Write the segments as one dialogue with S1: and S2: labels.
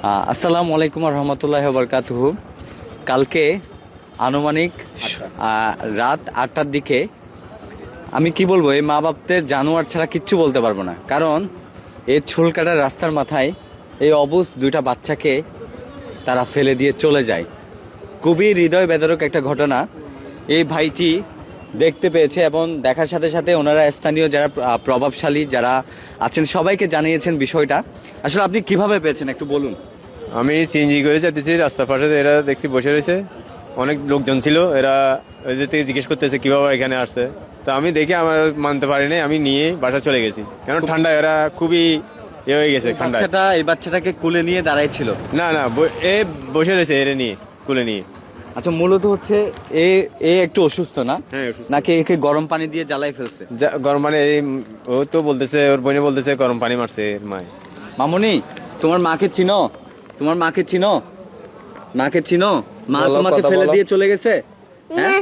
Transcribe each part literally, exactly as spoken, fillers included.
S1: আহ, আসসালামু আলাইকুম রহমতুল্লাহ বরকাতুহু। কালকে আনুমানিক আহ, রাত আটটার দিকে আমি কি বলবো, এই মা বাপদের জানোয়ার ছাড়া কিচ্ছু বলতে পারবো না। কারণ এই চুল কাটার রাস্তার মাথায় এই অবুঝ দুইটা বাচ্চাকে তারা ফেলে দিয়ে চলে যায়। খুবই হৃদয় বেদরক একটা ঘটনা। এই ভাইটি দেখতে পেয়েছে এবং দেখার সাথে সাথে ওনারা স্থানীয় যারা আহ, প্রভাবশালী যারা আছেন সবাইকে জানিয়েছেন বিষয়টা। আসলে আপনি কিভাবে পেয়েছেন একটু বলুন।
S2: আমি সিএনজি করে যাচ্ছি, রাস্তার পাশে এরা দেখছি বসে রয়েছে, অনেক লোকজন ছিল। এরা ওদের থেকে জিজ্ঞেস করতেছে কীভাবে এখানে আসছে। তো আমি দেখে আমার মানতে পারিনি, আমি নিয়ে বাসা চলে গেছি। কারণ ঠান্ডা, এরা খুবই ইয়ে হয়ে গেছে ঠান্ডা।
S1: বাচ্চাটা এই বাচ্চাটাকে কুলে নিয়ে দাঁড়াই ছিল?
S2: না না, ব- এ বসে রয়েছে এরা নিয়ে, কুলে নিয়ে।
S1: আচ্ছা, মূলত হচ্ছে এ এ একটু অসুস্থ না?
S2: হ্যাঁ, অসুস্থ।
S1: নাকি একে গরম পানি দিয়ে জ্বালাই ফেলছে?
S2: যা- গরম পানি, এই ও তো বলতেছে, ওর বোনে বলতেছে গরম পানি মারছে এর মায়।
S1: মামুনি, তোমার মাকে চিনো? তোমার মাকে চিনো? মাকে চিনো? মা
S2: বলো,
S1: তোমাকে
S2: কথা
S1: ফেলে
S2: বলো।
S1: দিয়ে চলে গেছে? হ্যাঁ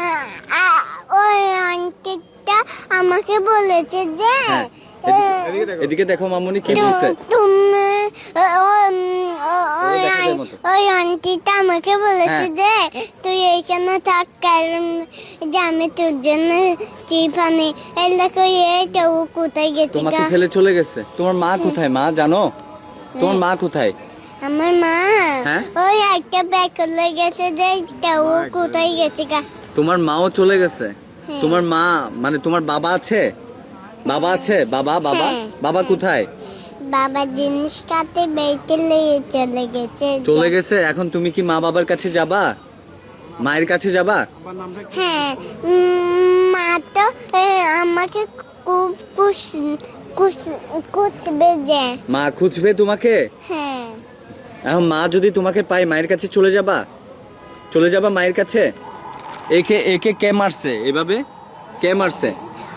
S3: ওই আন্টিটা আমাকে বলেছে যে
S1: হ্যাঁ।
S2: এদিকে দেখো।
S1: এদিকে দেখো মামুনি কি
S3: তু-
S1: বলছে।
S3: তুমি ও- ও- ও- ওই
S1: দেখা যায়
S3: আন-
S1: মতো।
S3: ওই আন্টিটা আমাকে বলেছে যে
S1: হ্যাঁ।
S3: তুই এইখানে থাক, কারণ যে আমি তোর জন্য চিপানি এলাকা এটা ও কোথায় গেছে
S1: তোমাকে
S3: গা?
S1: ফেলে চলে গেছে? তোমার মা কোথায় মা জানো? তোমার মা কোথায়?
S3: আমার মা
S1: হ্যাঁ?
S3: ওই একটা ব্যাগ করে গেছে যে এটা ও কোথায় গেছে গা?
S1: তোমার মাও চলে গেছে?
S3: হ্যাঁ।
S1: তোমার মা মানে তোমার বাবা আছে? বাবা আছে? বাবা বাবা
S3: হ্যাঁ,
S1: বাবা কোথায়?
S3: বাবা জিনিসটাতে বেঁচে নিয়ে চলে গেছে।
S1: চলে গেছে। এখন তুমি কি মা বাবার কাছে যাবা? মায়ের কাছে যাবা?
S3: হ্যাঁ, উম, মা তো এ, আমাকে খুব কুস কুস কুসবে যে।
S1: মা খুঁজবে তোমাকে?
S3: হ্যাঁ,
S1: এখন মা যদি তোমাকে পায় মায়ের কাছে চলে যাবা? চলে যাবা মায়ের কাছে? একে একে কে মারছে এভাবে? কে মারছে?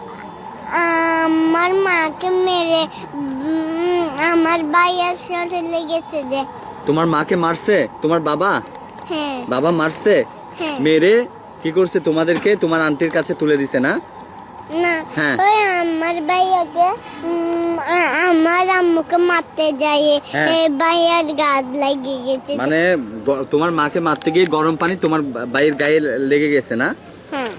S3: আমার মাকে মেরে উম, আমার ভাইয়ের সাথে লেগেছে যে।
S1: তোমার মাকে মারছে তোমার বাবা?
S3: হ্যাঁ,
S1: বাবা মারছে?
S3: হ্যাঁ।
S1: মেরে কি করছে? তোমাদেরকে তোমার আন্টির কাছে তুলে দিছে না?
S3: না,
S1: হ্যাঁ।
S3: ওই আমার ভাইয়াকে উম, আ- আমার আম্মুকে মারতে যায়,
S1: হ্যাঁ।
S3: এ, ভাইয়ার গাছ লেগে গেছে যে।
S1: মানে গ- তোমার মাকে মারতে গিয়ে গরম পানি তোমার বা- ভাইয়ের গায়ে লেগে গেছে না?
S3: হ্যাঁ।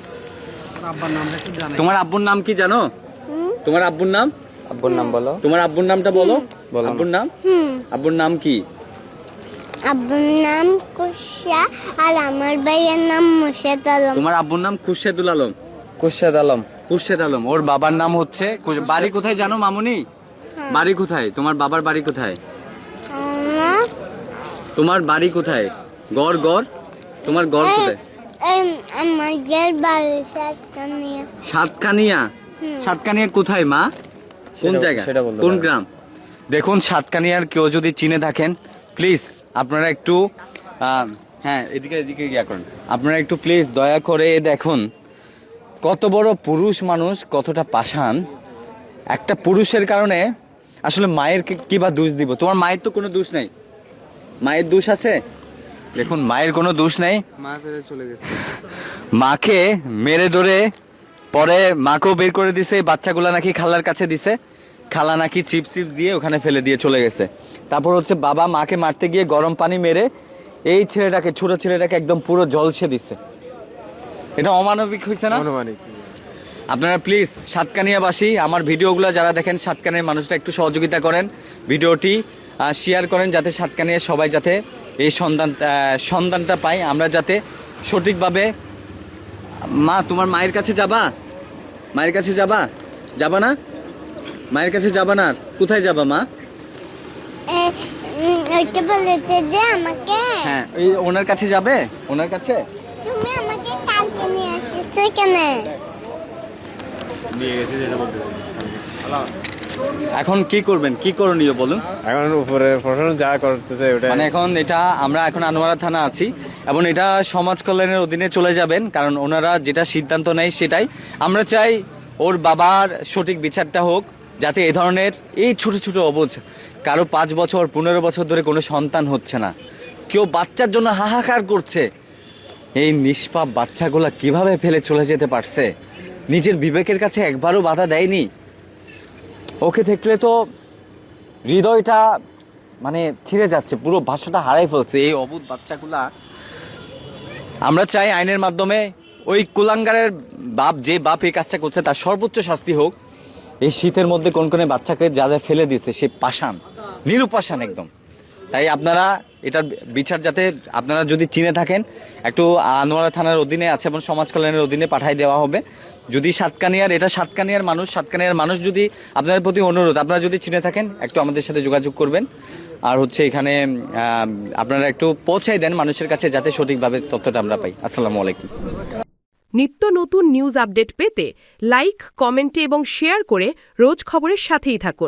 S1: তোমার আব্বুর নাম কি জানো?
S3: হুম,
S1: তোমার আব্বুর নাম?
S2: আব্বুর নাম বলো।
S1: তোমার আব্বুর নামটা বলো।
S2: বলো না।
S1: আব্বুর নাম?
S3: হুম।
S1: আব্বুর নাম কি?
S3: আব্বুর নাম কুশা আর আমার ভাইয়ের নাম মুর্শেদ আলম।
S1: তোমার আব্বুর নাম খুরশেদুল আলম?
S2: কুশাদ আলম।
S1: খুরশেদ আলম। ওর বাবার নাম হচ্ছে কুশ- বাড়ি কোথায় জানো মামুনি? বাড়ি কোথায়? তোমার বাবার বাড়ি কোথায়?
S3: আমার
S1: তোমার বাড়ি কোথায়? গড় গড় তোমার গড় কোথায়?
S3: এম- আমাদের বাড়ি সাতকানিয়া।
S1: সাতকানিয়া?
S3: হুম।
S1: সাতকানিয়া কোথায় মা? কোন
S2: সেটা-
S1: জায়গা?
S2: সেটা বলতে
S1: কোন
S2: পারবো।
S1: গ্রাম? দেখুন, সাতকানিয়ার কেউ যদি চিনে থাকেন প্লিজ আপনারা একটু আহ, হ্যাঁ এদিকে এদিকে গিয়া করেন। আপনারা একটু প্লিজ দয়া করে দেখুন কত বড় পুরুষ মানুষ, কতটা পাষাণ। একটা পুরুষের কারণে আসলে মায়ের কি- কি বা দোষ দিব? তোমার মায়ের তো কোনো দোষ নেই। মায়ের দোষ আছে? দেখুন, মায়ের কোনো দোষ নেই।
S2: মা ফেলে চলে গেছে।
S1: মাকে মেরে ধরে পরে মাকেও বের করে দিছে। এই বাচ্চাগুলা নাকি খালার কাছে দিছে, খালা নাকি চিপস চিপস দিয়ে ওখানে ফেলে দিয়ে চলে গেছে। তারপর হচ্ছে বাবা মাকে মারতে গিয়ে গরম পানি মেরে এই ছেলেটাকে, ছোট ছেলেটাকে একদম পুরো জলসে দিছে। এটা অমানবিক হয়েছে না?
S2: অনুমানিক।
S1: আপনারা প্লিজ সাতকানিয়াবাসী আমার ভিডিওগুলো যারা দেখেন, সাতকানিয়ার মানুষটা একটু সহযোগিতা করেন, ভিডিওটি শেয়ার করেন, যাতে সাতকানিয়ার সবাই যাতে এই সন্ধান আহ, সন্ধানটা পায়, আমরা যাতে সঠিকভাবে। মা, তোমার মায়ের কাছে যাবা? মায়ের কাছে যাবা? যাবা না? মায়ের কাছে যাবা না? আর কোথায় যাবা মা?
S3: এ, উম, ওইটা বলেছে যে আমাকে
S1: হ্যাঁ, ওই ওনার কাছে যাবে? ওনার কাছে?
S3: তুমি আমাকে কালকে নিয়ে আসিস কেন?
S2: নিয়ে গেছে যেটা বলতে পারি।
S1: এখন কি করবেন? কি করণীয় বলুন?
S2: এখন উপরে প্রশাসন যা করতেছে ওটা
S1: মানে এখন এটা আমরা এখন আনোয়ারা থানা আছি এবং এটা সমাজ কল্যাণের অধীনে চলে যাবেন, কারণ ওনারা যেটা সিদ্ধান্ত নেয় সেটাই আমরা চাই। ওর বাবার সঠিক বিচারটা হোক, যাতে এই ধরনের এই ছোট ছোট অবুঝ, কারো পাঁচ বছর পনেরো বছর ধরে কোনো সন্তান হচ্ছে না, কেউ বাচ্চার জন্য হাহাকার করছে, এই নিষ্পাপ বাচ্চাগুলা কিভাবে ফেলে চলে যেতে পারছে? নিজের বিবেকের কাছে একবারও বাধা দেয়নি। ওকে দেখলে তো হৃদয়টা মানে ছিঁড়ে যাচ্ছে, পুরো ভাষাটা হারাই ফেলছে এই অবুধ বাচ্চাগুলা। আমরা চাই আইনের মাধ্যমে ওই কুলাঙ্গারের বাপ, যে বাপ এই কাজটা করছে তার সর্বোচ্চ শাস্তি হোক। এই শীতের মধ্যে কোন কোন বাচ্চাকে যা যা ফেলে দিয়েছে সে পাষাণ, নিরুপাষাণ একদম। তাই আপনারা এটার বিচার যাতে আপনারা যদি চিনে থাকেন একটু আনোয়ারা থানার অধীনে আছে এবং সমাজ কল্যাণের অধীনে পাঠাই দেওয়া হবে। যদি সাতকানিয়ার, এটা সাতকানিয়ার মানুষ, সাতকানিয়ার মানুষ যদি আপনাদের প্রতি অনুরোধ, আপনারা যদি চিনে থাকেন একটু আমাদের সাথে যোগাযোগ করবেন। আর হচ্ছে এখানে আপনারা একটু পৌঁছাই দেন মানুষের কাছে যাতে সঠিকভাবে তথ্যটা আমরা পাই। আসসালামু আলাইকুম।
S4: নিত্য নতুন নিউজ আপডেট পেতে লাইক, কমেন্টে এবং শেয়ার করে রোজ খবরের সাথেই থাকুন।